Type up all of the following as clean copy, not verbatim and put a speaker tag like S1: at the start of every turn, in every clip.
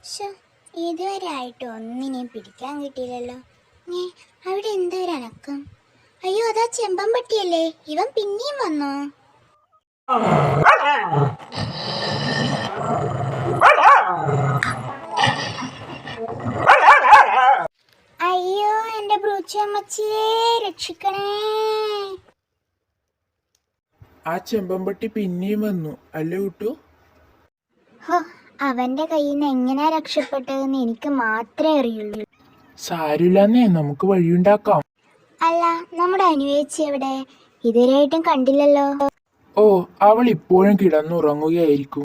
S1: ശോ, ഇതുവരെ ആയിട്ട് ഒന്നിനെയും പിടിക്കാൻ കിട്ടിയില്ലല്ലോ. അവിടെ എന്താ ഒരു അനക്കം? അയ്യോ, അതാ ചെമ്പൻ പട്ടിയല്ലേ? ഇവൻ പിന്നെയും വന്നോ? അയ്യോ, എന്റെ ബ്രൂച്ചമ്മച്ചിയെ രക്ഷിക്കണേ.
S2: ആ ചെമ്പമ്പട്ടി പിന്നെയും വന്നു അല്ലേ കുട്ടു?
S1: ഹോ, അവന്റെ കയ്യിൽ നിന്ന് എങ്ങനെയാ രക്ഷപ്പെട്ടതെന്ന് എനിക്ക് മാത്രമേ അറിയുള്ളൂ.
S2: സാരില്ലെന്നേ, നമുക്ക് വഴിയുണ്ടാക്കാം.
S1: അല്ല, നമ്മുടെ അനുവേച്ചി എവിടെ? ഇതുവരെയായിട്ടും കണ്ടില്ലല്ലോ.
S2: ഓ, അവൾ ഇപ്പോഴും കിടന്നുറങ്ങുകയായിരിക്കും.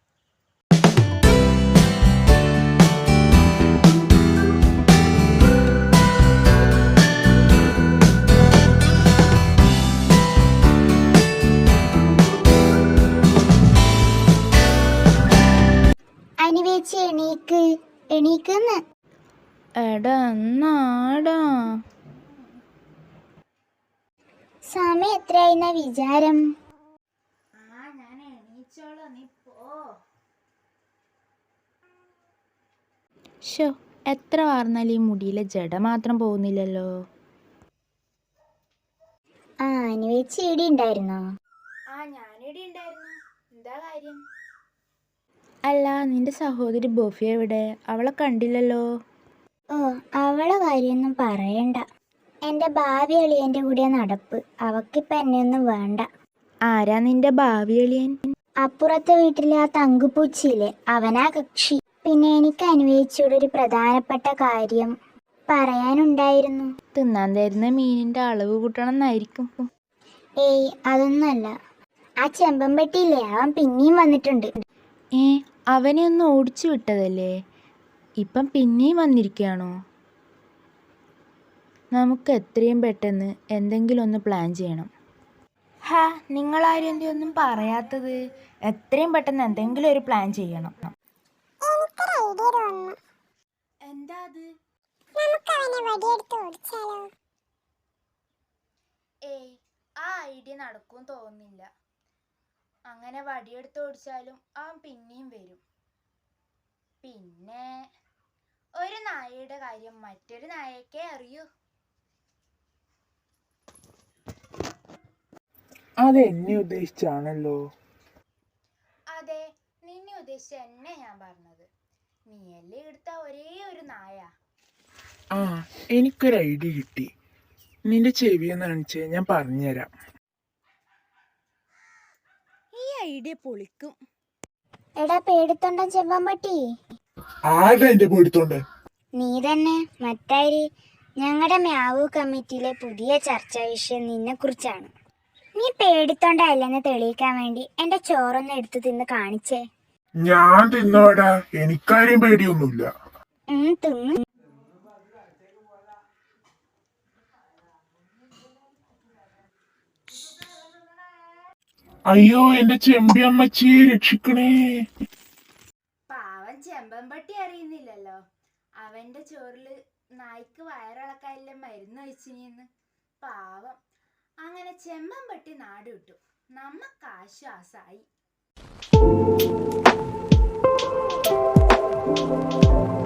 S1: അനുവേച്ചി എണീക്ക്, എണീക്കുന്ന്. സമയം എത്രയായിരുന്ന വിചാരം?
S3: ഷോ, എത്ര വാർന്നാലും ഈ മുടിയിലെ ജട മാത്രം പോകുന്നില്ലല്ലോ.
S1: അനുവേച്ചി ഇവിടെ ഉണ്ടായിരുന്നോ?
S3: ഞാനിവിടെ ഉണ്ടായിരുന്നു. എന്താ കാര്യം? അല്ല, നിന്റെ സഹോദരി ബോഫിയ എവിടെ? അവളെ കണ്ടില്ലല്ലോ.
S1: ഓ, അവളെ കാര്യമൊന്നും പറയണ്ട. എൻ്റെ ഭാവി അളിയൻ്റെ കൂടെ നടപ്പ്. അവക്കിപ്പം എന്നെയൊന്നും വേണ്ട.
S3: ആരാ നിന്റെ ഭാവി അളിയൻ?
S1: അപ്പുറത്തെ വീട്ടിലെ ആ തങ്കുപൂച്ചിയില്ലേ, അവനാ കക്ഷി. പിന്നെ എനിക്ക് അനുവേച്ചിയുടെ ഒരു പ്രധാനപ്പെട്ട കാര്യം പറയാനുണ്ടായിരുന്നു.
S3: തിന്നാൻ തരുന്ന മീനിന്റെ അളവ് കൂട്ടണം എന്നായിരിക്കും.
S1: ഏയ്, അതൊന്നുമല്ല. ആ ചെമ്പൻ പെട്ടിയില്ലേ, അവൻ പിന്നെയും വന്നിട്ടുണ്ട്.
S3: അവനെ ഒന്ന് ഓടിച്ചു വിട്ടതല്ലേ, ഇപ്പം പിന്നെയും വന്നിരിക്കുകയാണോ? നമുക്ക് എത്രയും പെട്ടെന്ന് എന്തെങ്കിലും ഒന്ന് പ്ലാൻ ചെയ്യണം. നിങ്ങളാരും എന്തൊന്നും പറയാത്തത്? എത്രയും പെട്ടെന്ന് എന്തെങ്കിലും ഒരു പ്ലാൻ ചെയ്യണം. എന്താ അത്? ഏയ്, ആ ഐഡിയ നടക്കും തോന്നുന്നില്ല. അങ്ങനെ വടിയെടുത്ത് ഓടിച്ചാലും അവൻ പിന്നെയും വരും. പിന്നെ ഒരു നായയുടെ കാര്യം മറ്റൊരു നായക്കേ അറിയൂ.
S2: അതെന്നെ ഉദ്ദേശിച്ചാണല്ലോ.
S3: അതെ, നിന്നെ ഉദ്ദേശിച്ച എന്നെ ഞാൻ പറഞ്ഞത്. നീയല്ലേ എടുത്ത ഒരേ ഒരു നായ.
S2: എനിക്കൊരു ഐഡിയ കിട്ടി. നിന്റെ ചെവിയെന്ന് കാണിച്ചേ, ഞാൻ പറഞ്ഞുതരാം.
S3: ഈ ഐഡിയ പൊളിക്കും.
S1: എടാ പേടിത്തൊണ്ടൻ ചെമ്പമ്പട്ടി.
S2: ആരുടെ പേടിത്തോണ്ട്?
S1: നീ തന്നെ. മറ്റാര്? ഞങ്ങളുടെ മ്യാവു കമ്മിറ്റിയിലെ പുതിയ ചർച്ചാ വിഷയം നിന്നെ കുറിച്ചാണ്. നീ പേടിത്തൊണ്ടല്ലെന്ന് തെളിയിക്കാൻ വേണ്ടി എന്റെ ചോറൊന്ന് എടുത്തു തിന്ന് കാണിച്ചേ.
S2: ഞാൻ തിന്നോടാ, എനിക്കാരെയും പേടിയൊന്നുമില്ല.
S1: തിന്നു.
S2: അയ്യോ, എന്റെ ചെമ്പി അമ്മച്ചിയെ രക്ഷിക്കണേ.
S3: പാവൻ ചെമ്പമ്പട്ടി അറിയുന്നില്ലല്ലോ അവന്റെ ചോറില് നായ്ക്ക് വയറിളക്കാനുള്ള മരുന്ന് ഒഴിച്ചിനിന്ന്. പാവം. അങ്ങനെ ചെമ്പമ്പട്ടി നാട് വിട്ടു. നമ്മക്ക് ആശ്വാസായി.